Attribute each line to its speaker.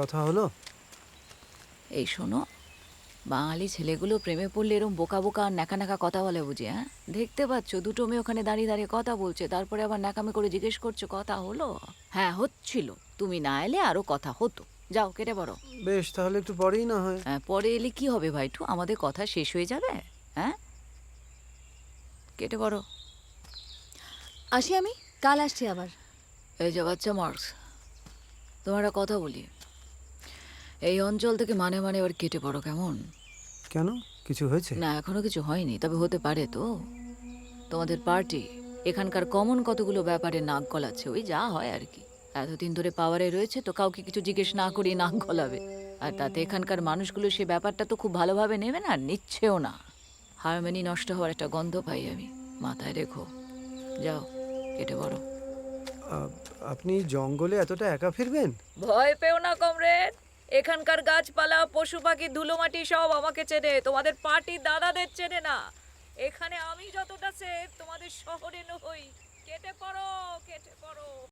Speaker 1: কথা হলো?
Speaker 2: এই শোনো, বাঙালি ছেলেগুলো প্রেমে পড়লে এরম বোকা বোকা আর ন্যাকা ন্যাকা কথা বলে বুঝি? হ্যাঁ, দেখতে পাচ্ছ দুটো মেয়ে ওখানে দাঁড়িয়ে দাঁড়িয়ে কথা বলছে, তারপরে আবার ন্যাকামি করে জিজ্ঞেস করছো কথা হলো? হ্যাঁ হচ্ছিল, তুমি না এলে আরো কথা হতো। যাও কেটে পড়ো।
Speaker 1: বেশ, তাহলে একটু পরেই না হয়।
Speaker 2: হ্যাঁ, পরে এলে কি হবে ভাইটু, আমাদের কথা শেষ হয়ে যাবে। হ্যাঁ, কেটে পড়ো।
Speaker 3: আসি আমি, কাল আসছি আবার।
Speaker 2: এই যে বাচ্চা মার্কস, তোমার একটা কথা বলি, এই অঞ্চল থেকে মানে মানে এবার কেটে পড়ো কেমন?
Speaker 1: কেন, কিছু হয়েছে?
Speaker 2: না, এখনো কিছু হয়নি, তবে হতে পারে তো। তোমাদের পার্টি এখানকার কমন কতগুলো ব্যাপারে নাক গলাচ্ছে, ওই যা হয় আর কি। এতদিন ধরে পাওয়ারে রয়েছে তো কাউকে কিছু জিজ্ঞেস না করিয়ে নাক গলাবে, আর তাতে এখানকার মানুষগুলো সে ব্যাপারটা তো খুব ভালোভাবে নেবে না, আর নিচ্ছেও না। হারমোনি নষ্ট হওয়ার একটা গন্ধ পাই আমি, মাথায় রেখো। যাও কেটে পড়ো।
Speaker 1: আ- আপনি জঙ্গলে এতটা একা ফিরবেন?
Speaker 2: ভয় পেও না কমরেড, এখানকার গাছপালা পশু পাখি ধুলোমাটি সব আমাকে চেনে, তোমাদের পার্টি দাদাদের চেনে না। এখানে আমি যতটা সেফ তোমাদের শহরে নই। কেটে পড়ো, কেটে পড়ো।